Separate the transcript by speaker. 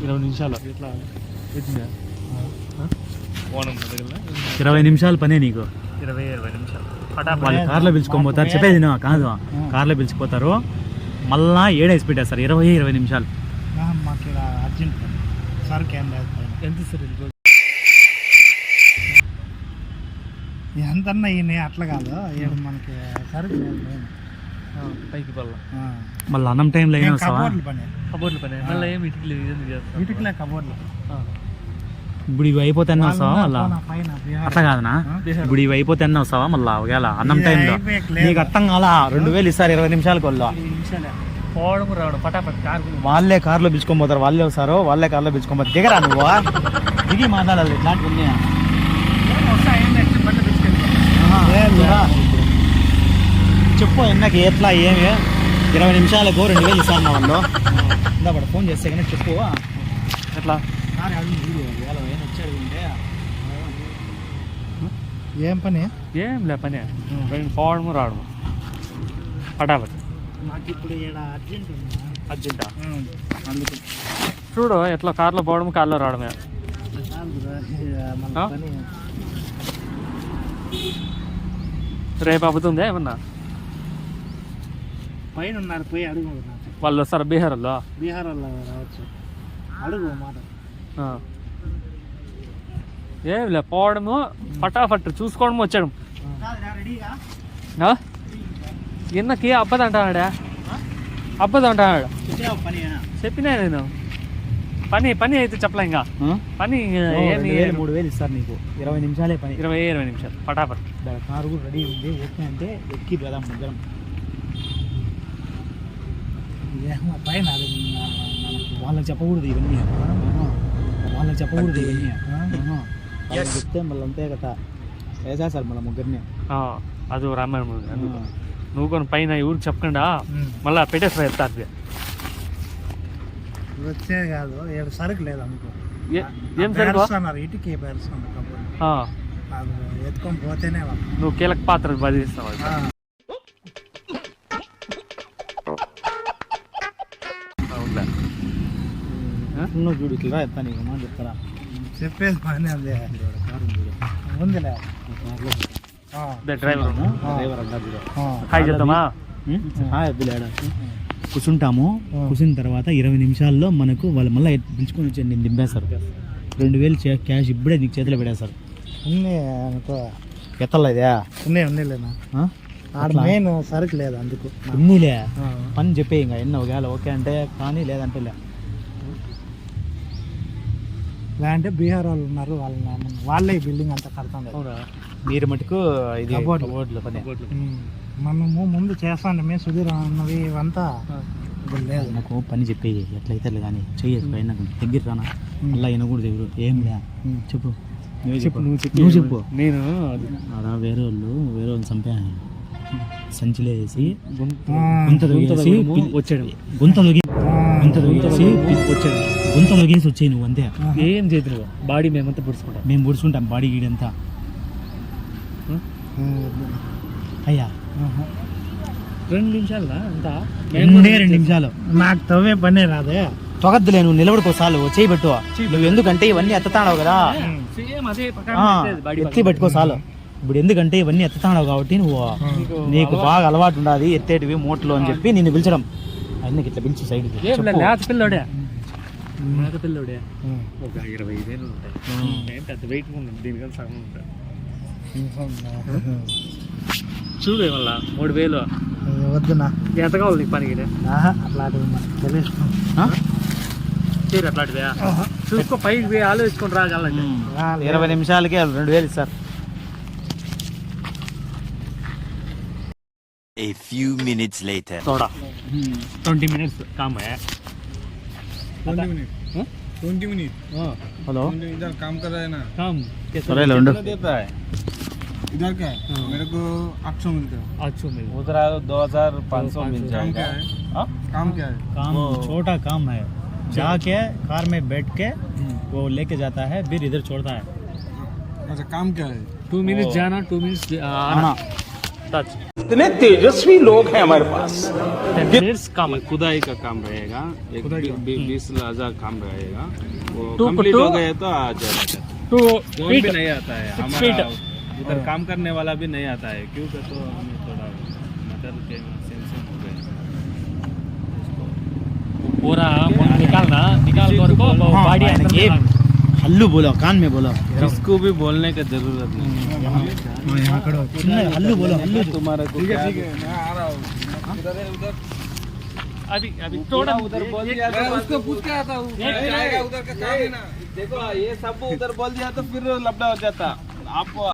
Speaker 1: 20 నిమిషాలు
Speaker 2: 20 నిమిషాలు పనే నీకు.
Speaker 1: 20 నిమిషాలు
Speaker 2: వాళ్ళు కార్లో పిలుచుకొని పోతారు. చెప్పేది కాదు, కార్లో పిలిచిపోతారు, మళ్ళా ఏడేసి పెట్టేస్తారు. 20 నిమిషాలు.
Speaker 3: మాకు ఇలా అర్జెంట్ సరుకు ఏం లేదు.
Speaker 1: ఎంత సార్
Speaker 3: ఎంతన్నా ఈయన అట్లా కాదు, మనకి సరుకు లేదు.
Speaker 1: పైకి పల్ల
Speaker 2: మళ్ళీ అన్నం టైంలో ఏం వస్తావా?
Speaker 1: కబోర్డ్లు పని మళ్ళీ ఏమి
Speaker 3: ఇటుకలే కబోర్డ్లు.
Speaker 2: ఇప్పుడు ఇవి అయిపోతే వస్తావా మళ్ళా? అట్లా కాదనా, ఇప్పుడు ఇవి అయిపోతే వస్తావా మళ్ళా? ఒకవేళ అన్నం టైంలో నీకు అర్థం కాలా, 2000 ఇస్తారు 20 నిమిషాలకు. వాళ్ళు
Speaker 1: పోవడం రావడం పటాపట్ కారు
Speaker 2: వాళ్ళే కార్లో పిలుచుకొని పోతారు, వాళ్ళే వస్తారు, వాళ్ళే కార్లో పిలుచుకొని పోతారు. దిగరా నువ్వు, దిగి మాట్లాడాలి ఇట్లాంటివన్నీ. చెప్పు ఎన్నకి ఎట్లా ఏమి 20 నిమిషాలకు 2000 ఇస్తాను వాళ్ళు. ఇందా పడ ఫోన్ చేస్తే కానీ చెప్పు ఎట్లా.
Speaker 3: ఏం పని?
Speaker 1: ఏం లే పని పోవడం రావడం పటాపట్.
Speaker 3: మాకు ఇప్పుడు
Speaker 1: అర్జెంటా అందుకు చూడు ఎట్లా కార్లో పోవడం కార్లో రావడమే. రేపు అవుతుందా ఏమన్నా?
Speaker 3: పైన ఉన్నారు, పోయి అడుగు.
Speaker 1: వాళ్ళు వస్తారు బీహార్ వాళ్ళు
Speaker 3: రావచ్చు, అడుగు మాట.
Speaker 1: ఏం లే పోవడము పటాఫట్ చూసుకోవడం వచ్చాడు. ఎన్నకి అబ్బది అంటాడా? అబ్బది అంటాడు. చెప్పినా నేను పని అయితే చెప్పలే. ఇంకా పని
Speaker 2: 3000 ఇస్తారు నీకు. 20 నిమిషాలే పని.
Speaker 1: 20 నిమిషాలు పటాపట్.
Speaker 2: కారు కూడా రెడీ ఉంది, ఓకే అంటే ఎక్కి వెళ్దాం ముగ్గురం.
Speaker 3: పైన
Speaker 2: వాళ్ళకి చెప్పకూడదు ఇవన్నీ, వాళ్ళకి చెప్పకూడదు ఇవన్నీ. చెప్తే మళ్ళీ అంతే కదా వేసేస్తారు మళ్ళీ ముగ్గురిని.
Speaker 1: అది రామాయణ నువ్వు కొన్ని పైన ఊరికి చెప్పకుండా మళ్ళీ పెట్టేస్తా చెప్తారు.
Speaker 3: వచ్చేది కాదు, ఏడు సరుకు లేదు అనుకో.
Speaker 1: ఏం సరుకు?
Speaker 3: ఇటుకే ఎత్తుకొని పోతేనే
Speaker 1: నువ్వు కీలక పాత్ర బాధిస్తావు.
Speaker 2: చూడు ఇట్లా ఎత్తా నీకు మా చెప్తారా?
Speaker 3: చెప్పేది పని అదే ఉందిలే.
Speaker 1: డ్రైవర్ హాయ్ చెప్తామా?
Speaker 2: కూర్చుంటాము. కూర్చున్న తర్వాత 20 నిమిషాల్లో మనకు వాళ్ళు మళ్ళీ పిలుచుకొని వచ్చి నేను దింపేస్తారు. 2000 క్యాష్ ఇప్పుడే నీకు చేతిలో పెడేస్తారు.
Speaker 3: అనుకో
Speaker 2: ఎత్తలేదా?
Speaker 3: ఉన్నీలేనా మెయిన్ సరుకు లేదు అందుకు.
Speaker 2: ఉన్నీలే పని చెప్పే ఇంకా ఎన్న ఒకవేళ ఓకే అంటే కానీ లేదంటే
Speaker 3: లేదంటే బీహార్ వాళ్ళు ఉన్నారు, వాళ్ళే బిల్డింగ్ అంతా కడతాం.
Speaker 2: మీరు మటుకు ఇది పని
Speaker 3: మనము ముందు చేస్తాండి. మేము సుధీర్ అన్నవి ఇవంతా లేదు.
Speaker 2: నాకు పని చెప్పేది ఎట్లయితే కానీ చెయ్యదు. పైన దగ్గర రానా అలా వినకూడదు ఎవరు. ఏం లే చెప్పు, నువ్వు చెప్పు.
Speaker 1: నేను
Speaker 2: వేరే వాళ్ళు చంపా సంచిలో వేసి
Speaker 1: వచ్చాడు,
Speaker 2: గుంతలో గేసి వచ్చాయి నువ్వు అంతే.
Speaker 1: ఏం చేతులు బాడీ మేమంతా పుడుచుకుంటాం.
Speaker 2: మేము పుడుచుకుంటాం బాడీ గీడంతా. అయ్యా
Speaker 1: 2 నిమిషాలు అంతా
Speaker 2: 2 నిమిషాలు.
Speaker 3: నాకు తవ్వే పనే రాదే.
Speaker 2: తొగద్దులే, నువ్వు నిలబడుకో చాలు. చేయి పెట్టు నువ్వు, ఎందుకంటే ఇవన్నీ ఎత్తుతాడావు కదా, ఎత్తి పెట్టుకో చాలు. ఇప్పుడు ఎందుకంటే ఇవన్నీ ఎత్తుతాడావు కాబట్టి నీకు బాగా అలవాటు ఉండాలి ఎత్తేటివి మూటలు అని చెప్పి నిన్ను పిలిచడం. అన్నీ ఇట్లా పిలిచి సైడ్కి.
Speaker 1: పిల్లోడే పిల్లోడే ఒక 25,000 ఉంటాయి. పెద్ద వెయిట్ ఉంటుంది, దీనికన్నా సగం ఉంటాయి. చూడు మళ్ళా 3000
Speaker 3: వద్దునా?
Speaker 1: ఎంత కావాలి నీకు పనికి?
Speaker 3: అట్లాంటివి తెలియదు.
Speaker 1: అట్లాంటివే చూసుకో, పైకి ఆలోచించుకొని రాగలంటే
Speaker 2: 20 నిమిషాలకి 2000 ఇస్తారు.
Speaker 4: A few minutes later.
Speaker 1: थोड़ा 20 minutes काम है.
Speaker 3: 20 मिनट.
Speaker 1: हाँ
Speaker 2: हेलो,
Speaker 3: इधर काम कर रहा है ना?
Speaker 1: काम
Speaker 2: अरे लौंडो
Speaker 3: देता है इधर क्या है? मेरे को 800 मिलता है.
Speaker 1: 800 मिल
Speaker 2: उधर 2500 मिल जाएगा.
Speaker 3: काम क्या है?
Speaker 2: काम छोटा काम है, जाके कार में बैठ के वो लेके जाता है, फिर इधर छोड़ता है.
Speaker 3: अच्छा काम क्या है?
Speaker 1: 2 minutes जाना, 2 minutes आना. टच
Speaker 5: इतने तेजस्वी लोग हैं हमारे पास
Speaker 1: 10 minutes काम है
Speaker 6: खुदाई का काम रहेगा, एक 20,000 काम रहेगा, वो
Speaker 1: 2
Speaker 6: कंप्लीट
Speaker 1: to
Speaker 6: हो गए तो आ जाएगा।
Speaker 1: 2
Speaker 6: कौन
Speaker 1: feet
Speaker 6: भी नहीं आता है
Speaker 1: 6
Speaker 6: हमारा,
Speaker 1: feet
Speaker 6: उधर काम करने वाला भी नहीं आता है, क्योंकि तो हमें थोड़ा मदर के सेंशन हो गए।
Speaker 1: पूरा निकालना निकाल कर को बॉडी अंदर
Speaker 2: ये हल्लू बोलो, कान में बोलो,
Speaker 6: किसको भी बोलने की जरूरत नहीं,
Speaker 2: చిన్న హల్లు बोलो, हल्लू
Speaker 6: तुम्हारा को क्या
Speaker 1: अभी थोड़ा
Speaker 6: उधर बोल दिया तो उसको पूछ के आता हूँ, उधर का काम है ना। देखो ये सब उधर बोल दिया तो फिर लफड़ा हो जाता आपको।